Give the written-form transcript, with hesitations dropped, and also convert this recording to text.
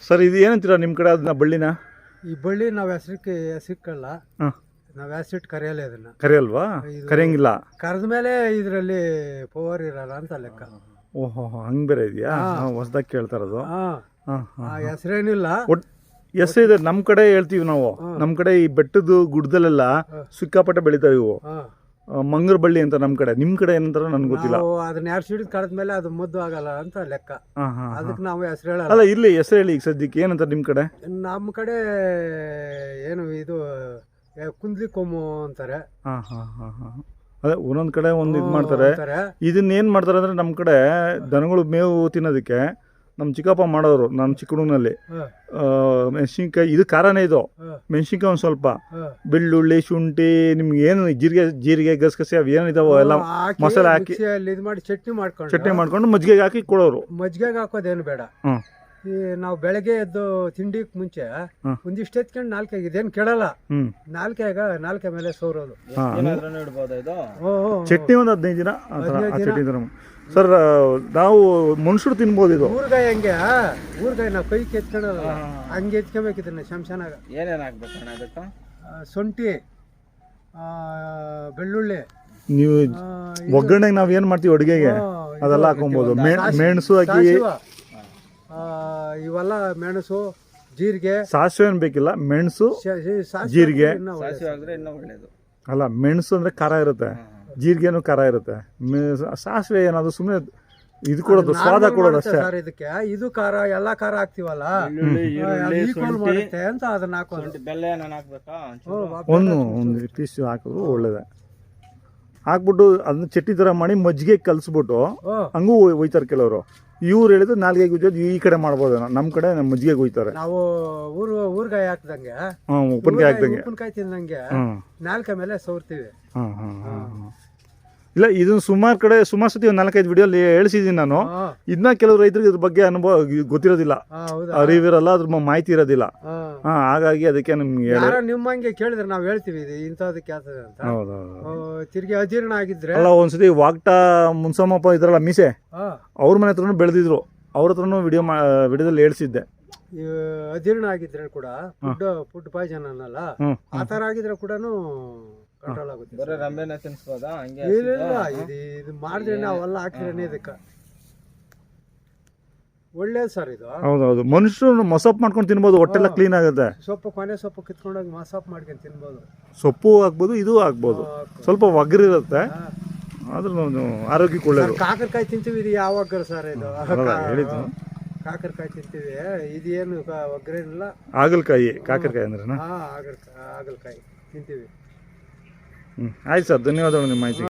Sir ಇದು ಏನಂತೀರಾ ನಿಮ್ಮ ಕಡೆ ಅದನ್ನ ಬಳ್ಳಿನ? ಈ ಬಳ್ಳಿ ನಾವು ಹೆಸರಿಕ್ಕಲ್ಲ, ನಾವು ಹೆಸರಿಟ್ಟು ಕರೆಯಲ್ಲ. ಇದನ್ನ ಕರೆಯಲ್ವಾ? ಕರೆಯಂಗಿಲ್ಲ. ಕರೆದ ಮೇಲೆ ಇದರಲ್ಲಿ ಪವರ್ ಇರಲ್ಲ ಅಂತ ಲೆಕ್ಕ. ಓಹೋ, ಹಂಗೆ ಬೇರೆ ಇದೆಯಾ? ಹೊಸದಾಗಿ ಕೇಳ್ತಾ ಇರೋದು. ಹೆಸರೇನಿಲ್ಲ, ಹೆಸರು ಇದೆ. ನಮ್ಮ ಕಡೆ ಹೇಳ್ತೀವಿ ನಾವು. ನಮ್ಮ ಕಡೆ ಈ ಬೆಟ್ಟದ ಗುಡ್ಡದಲ್ಲೆಲ್ಲ ಸಿಕ್ಕಾಪಟ್ಟೆ ಬೆಳಿತಾವೆ ಇವು. ಮಂಗರ ಬಳ್ಳಿ ಅಂತ ನಮ್ಮ ಕಡೆ. ನಿಮ್ಮ ಕಡೆ ಏನಂತಾರ ನನ್ಗೆ ಗೊತ್ತಿಲ್ಲ. ಅದನ್ನ ಎರಡು ಸಿಡಿದ್ ಕಳೆದ್ಮೇಲೆ ಅದು ಮದ್ದು ಆಗಲ್ಲ ಅಂತ ಲೆಕ್ಕ. ಅದಕ್ಕೆ ನಾವು ಹೆಸರು ಹೇಳಲ್ಲ. ಅಲ್ಲ, ಇಲ್ಲಿ ಹೆಸರು ಹೇಳಿ ಈಗ ಸದ್ಯಕ್ಕೆ ಏನಂತಾರೆ ನಿಮ್ಮ ಕಡೆ? ನಮ್ಮ ಕಡೆ ಏನು ಇದು ಕುಂದ್ಲಿ ಕೊಮ್ಮು ಅಂತಾರೆ. ಅದೇ ಒಂದೊಂದ್ ಕಡೆ ಒಂದು ಇದು ಮಾಡ್ತಾರೆ. ಇದನ್ನ ಏನ್ ಮಾಡ್ತಾರೆ ಅಂದ್ರೆ ನಮ್ಮ ಕಡೆ ದನಗಳು ಮೇವು ತಿನ್ನೋದಕ್ಕೆ ನಮ್ಮ ಚಿಕ್ಕಪ್ಪ ಮಾಡೋರು. ನಮ್ಮ ಚಿಕ್ಕ ಹುಡುಗನಲ್ಲಿ ಮೆಣಸಿನ್ಕಾಯಿ, ಇದು ಖಾರನೇ, ಇದು ಮೆಣಸಿನ್ಕಾಯಿ ಒಂದು ಸ್ವಲ್ಪ, ಬೆಳ್ಳುಳ್ಳಿ, ಶುಂಠಿ, ನಿಮ್ಗೆ ಏನು ಜೀರಿಗೆ ಗಸಗಸೆ ಅವು ಏನಿದಾವೋ ಎಲ್ಲ ಮಸಾಲೆ ಹಾಕಿ ಇದು ಮಾಡಿ ಚಟ್ನಿ ಮಾಡ್ಕೊಂಡು ಮಜ್ಜಿಗೆಗೆ ಹಾಕಿ ಕೊಡೋರು. ಮಜ್ಜಿಗೆಗೆ ಹಾಕೋದೇನು ಬೇಡ. ಈ ನಾವು ಬೆಳಗ್ಗೆ ಎದ್ದು ತಿಂಡಿಗೆ ಮುಂಚೆ ಒಂದಿಷ್ಟು ಎತ್ಕೊಂಡು ನಾಲ್ಕೈದು ಇದೇನು ಕೇಳಲ್ಲ. ನಾಲ್ಕೆ ಮೇಲೆ ಸೋರೋದು. ಚಟ್ನಿ ಒಂದು 15 ದಿನ ಚಟ್ನಿ ತರ. ಸರ್, ನಾವು ಮನುಷ್ಯರು ತಿನ್ಬೋದು ಇದು. ಊರ್ಗಾಯಿ ಹಂಗೆ, ಊರ್ಗಾಯಿ ನಾವು ಕೈ ಎತ್ಕೊಳ್ಳಲ್ಲ, ಹಂಗೆ ಎತ್ಕೊಬೇಕು. ಇದನ್ನ ಶಂಶಾನಾಗ ಏನೇನು ಹಾಕ್ಬೇಕು? ಶುಂಠಿ, ಬೆಳ್ಳುಳ್ಳಿ. ನೀವು ಒಗ್ಗರಣೆಗೆ ನಾವ್ ಏನ್ ಮಾಡ್ತೀವಿ ಅಡುಗೆಗೆ ಅದೆಲ್ಲ ಹಾಕೊಬಹುದು. ಮೆಣಸು ಹಾಕಿ, ಇವೆಲ್ಲ ಮೆಣಸು, ಜೀರಿಗೆ. ಸಾಸಿವೆ ಏನ್ ಬೇಕಿಲ್ಲ, ಮೆಣಸು, ಜೀರಿಗೆ. ಅಲ್ಲ, ಮೆಣಸು ಅಂದ್ರೆ ಖಾರ ಇರುತ್ತೆ, ಜೀರಿಗೆನೂ ಖಾರ ಇರುತ್ತೆ. ಸಾಸಿವೆ ಏನಾದ್ರು ಸುಮ್ಮನೆ ಇದು ಕೊಡೋದು, ಸ್ವಾದ ಕೊಡೋದು ಅಷ್ಟೇ. ಇದಕ್ಕೆ ಇದು ಖಾರ, ಎಲ್ಲಾ ಖಾರ ಹಾಕ್ತಿವಲ್ಲ ಅಂತ ಅದನ್ನ ಹಾಕೋದು. ಒಂದು ಪೀಸ್ ಹಾಕೋದು ಒಳ್ಳೇದೆ. ಹಾಕ್ಬಿಟ್ಟು ಅದನ್ನ ಚಟ್ನಿ ತರ ಮಾಡಿ ಮಜ್ಜಿಗೆ ಕಲ್ಸ್ಬಿಟ್ಟು ಹಂಗೂ ಒಯ್ತಾರೆ ಕೆಲವರು. ಇವ್ರು ಹೇಳಿದ್ರು ನಾಲ್ಗೆಗೆ ಉಜ್ಜೋದು ಈ ಕಡೆ ಮಾಡ್ಬೋದು. ನಮ್ಮ ಕಡೆ ಮಜ್ಜಿಗೆ ಒಯ್ತಾರೆ. ನಾವು ಊರ್ಗಾಯಿ ಹಾಕ್ದಂಗೆ, ಉಪ್ಪಿನಕಾಯಿ ತಿಂದಂಗೆ ನಾಲ್ಕೆ ಮೇಲೆ ಸೋರ್ತೀವಿ. ಇಲ್ಲ, ಇದನ್ನ ಸುಮಾರು ಸತಿ ಒಂದು 4-5 ವಿಡಿಯೋಲಿ ಹೇಳ್ಸಿದ್ದೀನಿ ನಾನು. ಇದನ್ನ ಕೆಲವು ರೈತರಿಗೆ ಇದ್ರ ಬಗ್ಗೆ ಅನುಭವ ಗೊತ್ತಿರೋದಿಲ್ಲ, ಅರಿವಿರಲ್ಲ, ಅದ್ರ ಮಾಹಿತಿ ಇರೋದಿಲ್ಲ. ಹಾಗಾಗಿ ಅದಕ್ಕೆ ನಿಮ್ಗೆ ನಿಮ್ಮಂಗೆ ಕೇಳಿದ್ರೆ ನಾವು ಹೇಳ್ತೀವಿ ಇಂಥದಕ್ಕೆ ಆಗ್ತದೆ ಅಂತ. ತಿರ್ಗಿ ಅಜೀರ್ಣ ಆಗಿದ್ರೆ ಅಲ್ಲ, ಒಂದ್ಸತಿ ವಾಗ್ಟಾ ಮುನ್ಸಮ್ಮಪ್ಪ ಇದ್ರಲ್ಲ ಮೀಸೆ, ಅವ್ರ ಮನೆ ಹತ್ರನೂ ಬೆಳೆದಿದ್ರು. ಅವ್ರ ಹತ್ರನೂ ವಿಡಿಯೋದಲ್ಲಿ ಹೇಳ್ಸಿದ್ದೆ. ಅಜೀರ್ಣ ಆಗಿದ್ರೆ ಕೂಡ ಫುಡ್ ಪಾಯ್ಸನ್ ಅನ್ನಲ್ಲ, ಆ ತರ ಆಗಿದ್ರೆ ಕೂಡ ಕಂಟ್ರೋಲ್ ಆಗುತ್ತೆ. ಇಲ್ಲ, ಇದು ಮಾಡಿದ್ರೆ ನಾವೆಲ್ಲ ಹಾಕಿದ್ರೆ ಇದಕ್ಕೆ ಒಳ್ಳೇದು ಸರ್. ಇದು ಹೌದೌದು, ಮನುಷ್ಯರು ಮಸಾಪ್ ಮಾಡ್ಕೊಂಡು ತಿನ್ಬೋದು, ಹೊಟ್ಟೆಲ್ಲ ಕ್ಲೀನ್ ಆಗುತ್ತೆ. ಕೊನೆ ಸೊಪ್ಪು ಕಿತ್ಕೊಂಡೋಗಿ ಮಸಾಪ್ ಮಾಡ್ಕೊಂಡು ತಿನ್ಬೋದು. ಸೊಪ್ಪು ಹಾಕ್ಬೋದು, ಇದು ಹಾಕ್ಬೋದು. ಸ್ವಲ್ಪ ಒಗ್ಗರಿರುತ್ತೆ, ಆದ್ರೂ ಆರೋಗ್ಯಕ್ಕೆ ಒಳ್ಳೇದು. ಕಾಕರಕಾಯಿ ತಿಂತೀವಿ, ಇದು ಯಾವಾಗ ಸರ್ ಇದು ಹೇಳಿದ್ದು? ಕಾಕರಕಾಯಿ ತಿಂತೀವಿ, ಇದೇನು ಒಗ್ಗರೇನಿಲ್ಲ. ಹಾಗಲಕಾಯಿ, ಕಾಕರಕಾಯಿ ಅಂದ್ರೆ ಹಾಗಲಕಾಯಿ ತಿಂತೀವಿ. ಆಯ್ತು ಸರ್, ಧನ್ಯವಾದಗಳು ನಿಮ್ಮ ಮಾಹಿತಿ.